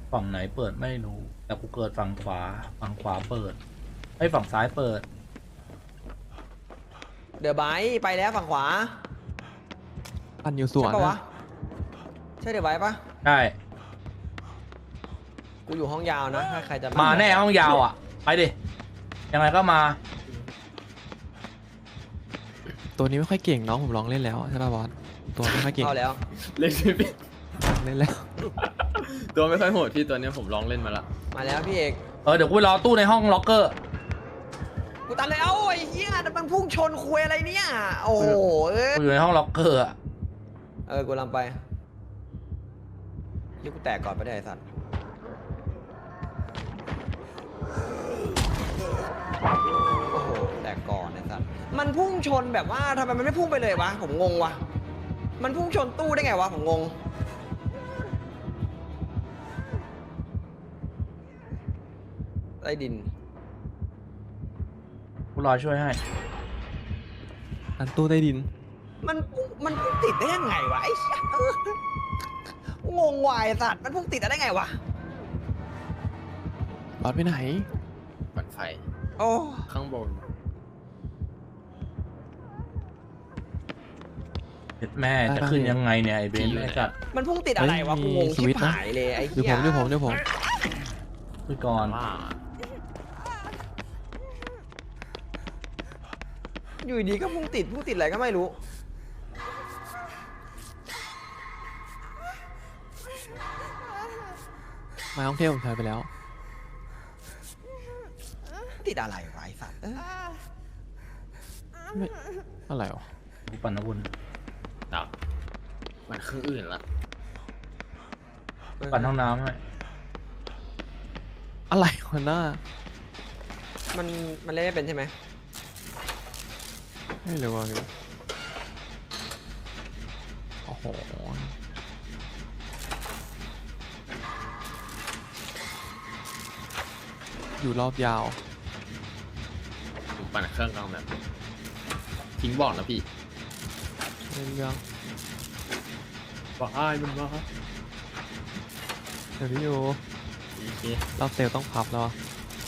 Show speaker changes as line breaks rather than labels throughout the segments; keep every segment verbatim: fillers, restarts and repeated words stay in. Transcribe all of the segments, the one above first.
ฝั่งไหนเปิดไม่รู้แต่กูเกิดฝั่งขวาฝั่งขวาเปิดไอ้ฝั่งซ้ายเปิด
เดี๋ยวไบค์ไปแล้วฝั่งขวา
ปั่นอยู่สวน
ใช่ปะวะ
นะ
ใช่เดี๋ยวไบค์ปะ
ใช่
กูอยู่ห้องยาวนะถ้าใครจะ
มาแน่ห้องยาวอ่ะไปดิยังไงก็มา
ตัวนี้ไม่ค่อยเก่งน้องผมลองเล่นแล้วใช่ป่ะบอสตัวไม่ค่อยเก่ง
เข้าแล้ว
เล่นไม่เป็น
เล่นแล้ว
ตัวไม่ค่อยโหดพี่ตัวเนี้ยผมลองเล่นมาละ
มาแล้วพี่เอก
เออเดี๋ยวกูไปรอตู้ในห้องล็อกเกอร์
กูตันเลยเอ้าไอ้เหี้ยมันพุ่งชนคุยอะไรเนี่ยโอ้โหเอ้ย
กูอยู่ในห้องล็อกเกอร์อะ
เออกูลำไปยี่กูแตกก่อนไปได้ไอ้สัตว์โอ้โหแตกก่อนไอ้สัตว์มันพุ่งชนแบบว่าทำไมมันไม่พุ่งไปเลยวะผมงงวะมันพุ่งชนตู้ได้ไงวะผมงงใต้ดิน
กูรอช่วยให้
อันตู้ใต้ดิน
มันพุ่งมันพุ่งติดได้ยังไงวะไอ้เหี้ยเอองงวายสัตว์มันพุ่งติดได้ไงวะ
บอสไปไหน
ปั่นไฟ
โอ้
ข้างบน
เด็ดแม่จะขึ้นยังไงเนี่ยไอ้เบนซ์ไอ้สัตว์
มันพุ่งติดอะไรวะ
เฮ้
กู
ย
งง
มีส
ชิ
วิ
บ
ตช์นะ
หายเลยไอ้
เดี๋ยว
เหี้
ผ
ย
มเดี๋ยวผมเดี๋ยวผม
คุยก่อน
ว่า
อยู่ดีก็พุ่งติดพุ่งติดอะไรก็ไม่รู้
มาท่องเที่ยวผมใช้ไปแล้ว
ติดอะไรวะไอ้สัตว์เอ้ย
ไม่อะไรวะ
กูปั่นนะบุญ
ดับมันเครื่องอื่นละ
ปั่นห้องน้ำให้
อะไรวะหน้า
มันมันเล่นไม่เป็นใช่ไหม
ไม่รู้ว่าพี่โอ้โหอยู่รอบยาว
ผมปั่นเครื่องกลางแบบทิ้งบอกนะพี่
เรื่องเรื่อง
บอกอ้ายมันมา
เดี๋ยวนี้อยู่
โอเค
รอบเซลลต้องพับแล้วอะ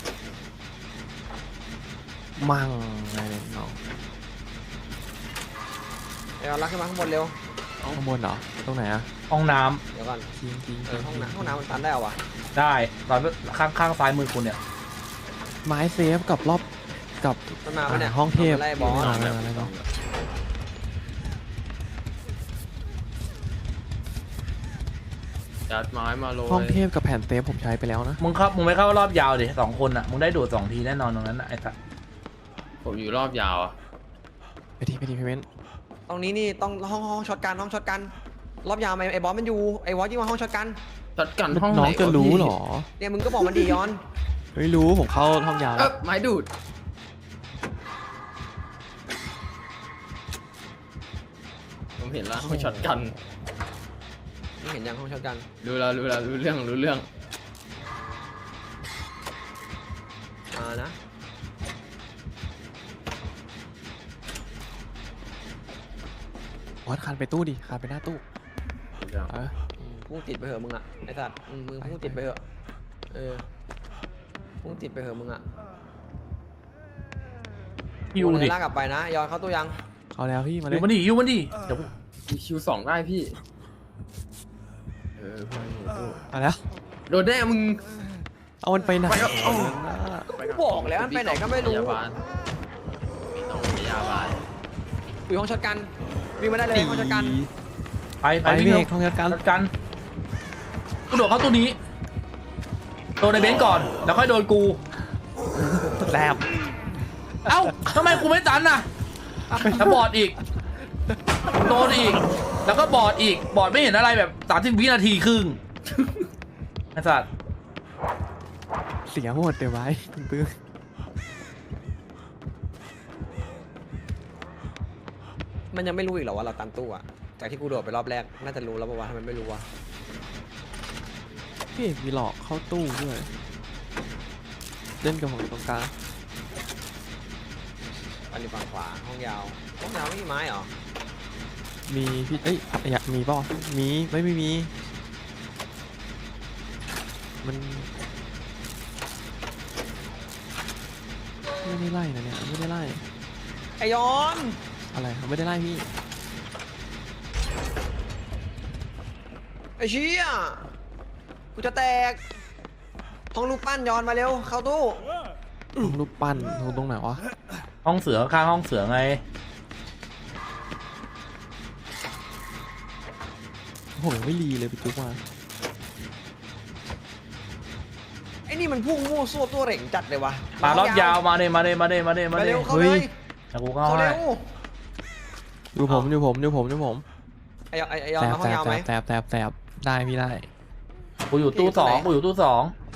มั่งอะไรเนี่ยน้อง
เดี๋ยวรักขึ้นมาข้างบนเร็ว
ข้างบนเหรอตรงไหนอะ
ห้องน้
เดี๋ยวก่อน
จริงจริง
เออห้องน้ำห้องน้ำมันตันได้เหรอวะ
ำได้ตอนข้างข้างซ้ายมือคุณเนี่ย
ไม้เซฟกับรอบกับ
มันมาปะเนี่ย
ห้องเทพ
มันไล่บอส
ไม่เอาไม่เอาไม่เอา
จัดไม้มาโรย
ห้องเทพกับแผ่นเซฟผมใช้ไปแล้วนะ
มึงเข้ามึงไม่เข้ารอบยาวดิสองคนอ่ะมึงได้ดูดสองทีแน่นอนตรงนั้นน่ะไอ้สัตว์
ผมอยู่รอบยาวอะ
ไปทีไปทีเพเมนต์
ตรงนี้นี่ต้องห้องห้องช็อตกันห้องช็อตกันรอบยาวไหมไอ้บอสมันอยู่ไอ้บอสยิ่งมาห้องช็อตกัน
จัดกันห้องไหน
น้องจะรู้เหรอ
เนี่ยมึงก็บอกมันดีย้อน
ไม่รู้ผมเข้าห้องยาว
เอ
แล้
อ
ว
ไม้ดูดผมเห็นแล้วห้องช็อตกัน
มึงเห็นยังห้องช็อตกัน
รู้แล้วรู้แล้วรู้เรื่องรู้เรื่อง
มานะ
บอสคานไปตู้ดิคานไปหน้าตู้
รู้เรื่อง
เออ
อืมพุ่งติดไปเหอะมึงอะไอ้สัตว์อืมมึงพุ่งติดไปเหอะเออพุ่งติดไปเหอะมึงอะ
ยิวดิ
ลากกลับไปนะย้อนเข้าตู้ยัง
เอาแล้วพี่มาเล
ยิ
ยว
มันดิยิวมันดิเดี๋ยว
มีคิวสองได้พี่เออเพื่อนหนูตู้
มาแล้ว
โดนแน่มึง
เอามันไปไหน
ไปครับเอา
กูบอกแล้วมันไปไหนก็ไม่รู้
พยาบาลไม่ต้องพยาบาล
อยู่ห้องช็อตกันวิ่งมาได้เลยห้องช็อตกัน
ไปไป
ไป
วิ่
พี่
ง
เอกห้องจัดการ
จัดกันกูโดดเข้าตู้นี้โดนในเบนซ์ก่อนแล้วค่อยโดนกู
แลบ
เอ้าทำไมกูไม่ตันน่ะแล้วบอดอีกโดนอีก แล้วก็บอดอีกบอดไม่เห็นอะไรแบบสามสิบวินาทีครึ่งไอ้สัตว์
เสียหมดเดี๋ยวไว้ปื้อ
มันยังไม่รู้อีกเหรอว่าเราตันตู้อะจากที่กูโดดไปรอบแรกน่าจะรู้แล้วป่าวะทำไมไม่รู้วะ
พี่เอกมีหลอกเข้าตู้ด้วยเล่นกับผมอยู่ตรงกลาง
อันนี้ฝั่งขวาห้องยาวห้องยาวไม่มีไม้เหรอ
มีพี่เอ้ยอยากมีเปล่ามีไม่ไม่มีมันไม่ได้ไล่นะเนี่ยไม่ได้ไล่
ไอยอน
อะไรครับไม่ได้ไล่พี่
ไอเชี่ยกูจะแตกห้องรูปปั้นยอนมาเร็วเข้าตู้
รูปปั้นตรงตรงไหนวะ
ห้องเสือข้างห้องเสือไง
ผมยังไม่รีเลยไปจุกมา
ไอ้นี่มันพุ่งมั่วซั่วตัวเหร่งจัดเลยวะ
ปารอบยาวมาเลยมาเลยมาเลยมาเลยมา
มา
เลย
เร็วเข้าเลย
แต่กูเข้า
เข้า
ให้
เร็ว
ดูผมดูผมดูผมดูผม
ไอยอนไอไอยอน
แตบ
มาห้อ
แต
ง
บ
ยาว
แต
ไหม
บแตบแตบแตบได้พี่ได้
กูอยู่ตู้สองกูอยู่ตู้สอง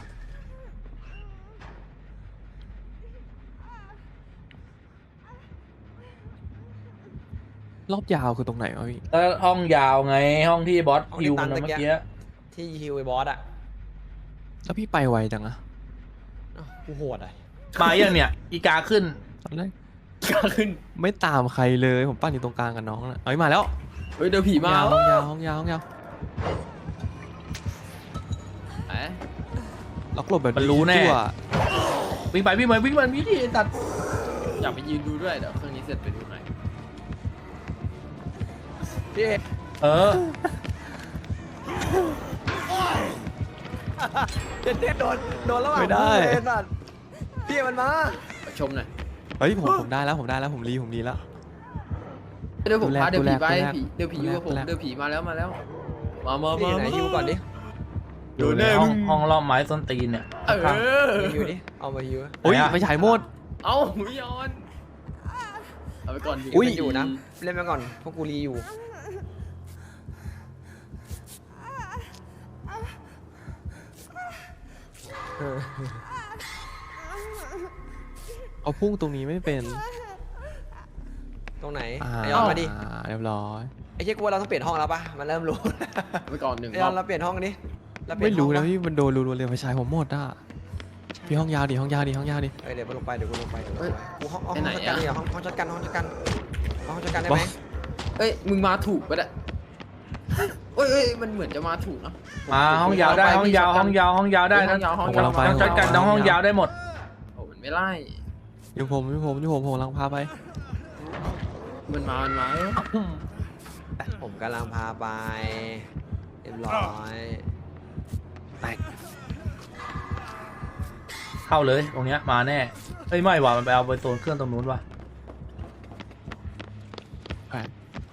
รอบยาวคือตรงไหนวะพี่
แล้วห้องยาวไงห้องที่บอสฮิวมันเมื่อกี้
ที่ฮิวไอบอสอะ
แล้วพี่ไปไวจังอะ
อ้าวกูโหดอะ
มาอย่างเนี่ยอีกาขึ้น
ตอนแรก
ขึ้น
ไม่ตามใครเลยผมปั้นอยู่ตรงกลางกับน้องน่ะเอ้ยมาแล้ว
เฮ้ยเดี๋ยวผีมา
ห้องยาวห้องยาวห้องยาว
เอ๊ะ
ล็อกหลบแบบ
มันรู้แน่
ตัว
วิ่งไปวิ่งไปวิ่งไปวิ่งดิตัด
อยากไปยืนดูด้วยเดี๋ยวเครื่องนี้เสร็จไปดูหน่อย
พี่เอก
เออ
เด็ดเด็ดโดนโดนระหว่างเลยสัตว์พี่เอกมันมา
ไปชมหน่อย
เฮ้ยผมผมได้แล้วผมได้แล้วผมรีผมรีแล้ว
เดี๋ยวผมพา
ดู
เดี๋ยว
แล
ผีไป
ดูแล
ผีเดี๋ยวผีอยู่กับผม
ดูแล
เดี๋ยวผีมาแล้วมาแล้ว มามา
พี่
มา
ไหนฮิวก่อนดิ
อยู่ในห้องห้องล้อมไม้ส้นตีนเนี่ย
เออ
ฮิวดิเอามาฮิว
อุ้ย
ไหนอะ
ไปฉายหมด
เอ้าหุยยอนเอาไปก่อน
อุ๊ย
อยู่นะเล่นไปก่อนพวกกูรีอยู่เออ
เอาพุ่งตรงนี้ไม่เป็น
ตรงไหน
อ่า
ไอยอนมาดิ
เรียบร้อย
ไอ้เจ๊กลัวเราต้องเปลี่ยนห้องแล้วปะมันเริ่มรู้
เอาไปก่อนหนึ่ง
ไอ
ร
ย
อ
อบ นเราเปลี่ยนห้องดิเราเปลี่
ไม่
ยน
รู้
ห้อง
นะ
ป
พี่มันโดนรัวๆเลยไปฉายผมหมดอ่ะพี่ห้องยาวดิห้องยาวดิห้องยาวดิ
เอ้ยเดี๋ยวกูลงไปเดี๋ยวกูลงไปเดี๋ยวกูลงไปกูห้องห้องจัดการเนี่ยห้องห้องจัดการห้องจัดการห้องจัดการได้ไหม
เอ้ยมึงมาถูกปะเนี่ยเอ้ยเอ้ยมันเหมือนจะมาถูกนะ
มาห้องยาวได้ห้องยาวห้องยาวห้องยาวได้
ห้
นะ
องยาวห้อง
ผม
ยาว
กำลังไป
ต้องจัดการน้องห้องยาวได้หมด
โอ้มันไม่ไล่
อยู่ผมอยู่ผมอยู่ผมผมกำลังพาไป
มันมามันมา
ผมกำลังพาไปเรียบร้อยแตก
เข้าเลยตรงเนี้ยมาแน่เฮ้ยไม่ว่ะมันไปเอาไปโซนเครื่องตรงนู้นว่ะ
แปด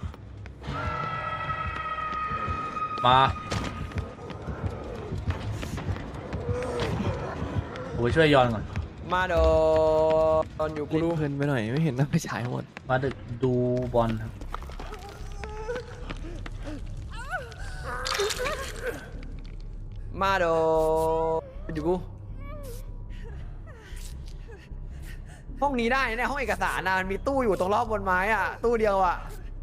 มาผมไปช่วยยอนก่อน
มาโดนอยู่กู
เล่น
รู้
เพลินไปหน่อยไม่เห็นนะไปฉายหมด
มาดึกดูบอลครับ
มาโดนอยู่กูห้องนี้ได้เนี่ยห้องเอกสารนะมันมีตู้อยู่ตรงรอบบนไม้อ่ะตู้เดียวอ่ะ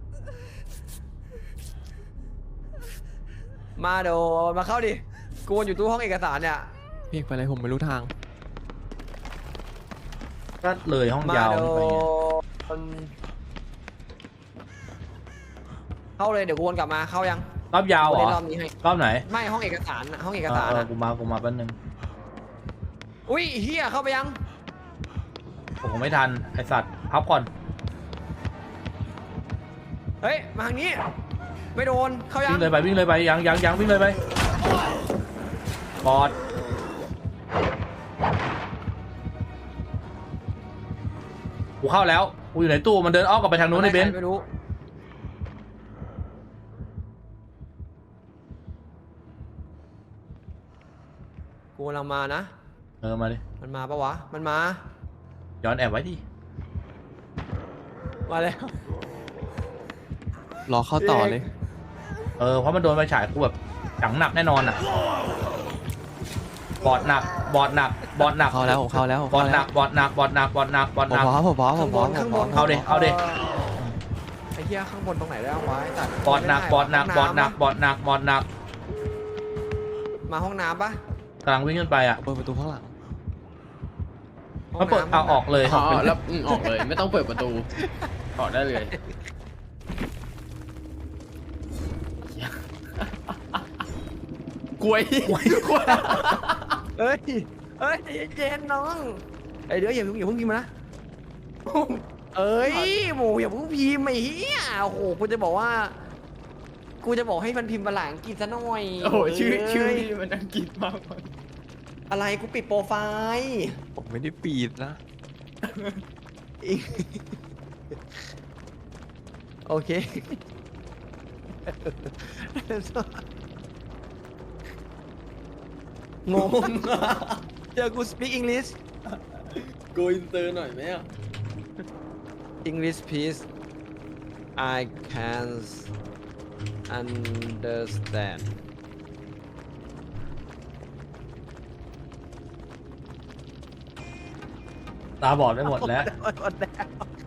มาโดนมาเข้าดิกูวนอยู่ตู้ห้องเอกสารเนี่ย
พี่เอกไปอะไรผมไม่รู้ทาง
ก็เลยห้อง
มาย
าว
โด
นี่ไปไง
นเข้าเลยเดี๋ยวกูวนกลับมาเข้ายัง
รอบยาวเหร
กู
อ
เล่นรอบนี้ให้
รอบไหน
ไม่ห้องเอกสารน่ะห้องเอก
เอ
สา
อ
ร
เออ
น่ะ
กูมากูมาแป๊บนึง
อุ้ยเฮียเข้าไปยัง
ผมไม่ทันไอสัตว์พับก่อน
เฮ้ยมาทางนี้ไม่โดนเข้ายัง
วิ่งเลยไปวิ่งเลยไปยังยังยังวิ่งเลยไปบอดกูเข้าแล้วกูอยู่ในตู้มันเดินอ้อมกลับไปทางนู้นในเบนซ์
ไม่รู้กูกำลังมานะ
เออมาดิ
มันมาปะวะมันมา
ย้อนแอบไว้ดิ
มาแล้ว
รอเข้าต่อเลย
เออเพราะมันโดนไฟฉายกูแบบจังหนักแน่นอนอ่ะบอดหนักบอดหนักบอดหนัก
เข้าแล้วผมเข้าแล้วผม
บอ
เข้า
ดห
แล้
นั
ว
กบอดหนักบอดหนักบอดหนักบอด
ผ
ห
ม
นัก
พอผมพอผ
ข้าม ง
พ
บ
อน ผ
ข้าม ง
พ
บ
อน
เอาดิเอาดิ
ไอ้เหี้ยข้างบนตรงไหนได้บ้างวะไอ้สัตว์
บอดหนักบอดหนักบอดหนักบอดหนักบอดหนัก
มาห้องน้ำปะ
กำลังวิ่งขึ้นไปอ่ะ
เปิดประตูข้างหลัง
ห้อง
มันเปิด
น้ำ
เอาออกเลย
อ๋อแล้วอืมออกเลยไม่ต้องเปิดประตูออกได้เลยกล้วยกล้วย
เอ้ยเอ้ยใจเย็นๆน้องไอ้ยเดี๋ยวอย่าเพิ่งอย่าเพิ่งพิมพ์นะเอ้ยหมูอย่าเพิ่งพิมพ์ไอ้เหี้ยโอ้โหกูจะบอกว่ากูจะบอกให้มันพิมพ์ภาษาอังกฤษซะหน่อย
โอ้โหชื่อชื่อ
เย
นี่มันอังกฤษมากเลย
อะไรกูปิดโปรไฟล์
ผมไม่ได้ปีดนะ
อีกโอเค งงเจอกู speak English
โกอินเตอร์หน่อยไหมอ่ะ
English please I can understand
ตาบอดไปหมดแล้ว
หมดแล้ว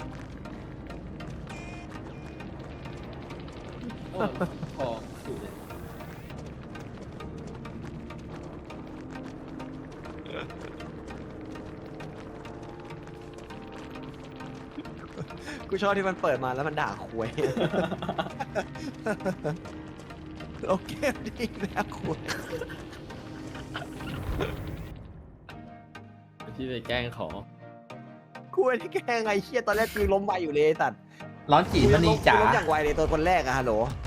พอสุดเลย
กูชอบที่มันเปิดมาแล้วมันด่าควย โอเคดีแล้วควย
พี่ไปแกล้งขอ
ควยที่แกล้งไงเชี่ยตอนแรกกูล้มไปอยู่เลยไอ้สัตว์
ร้อนจีมันนีจ๋า
กูล้มอย่างไวเลยตัวคนแรกอะฮัลโหล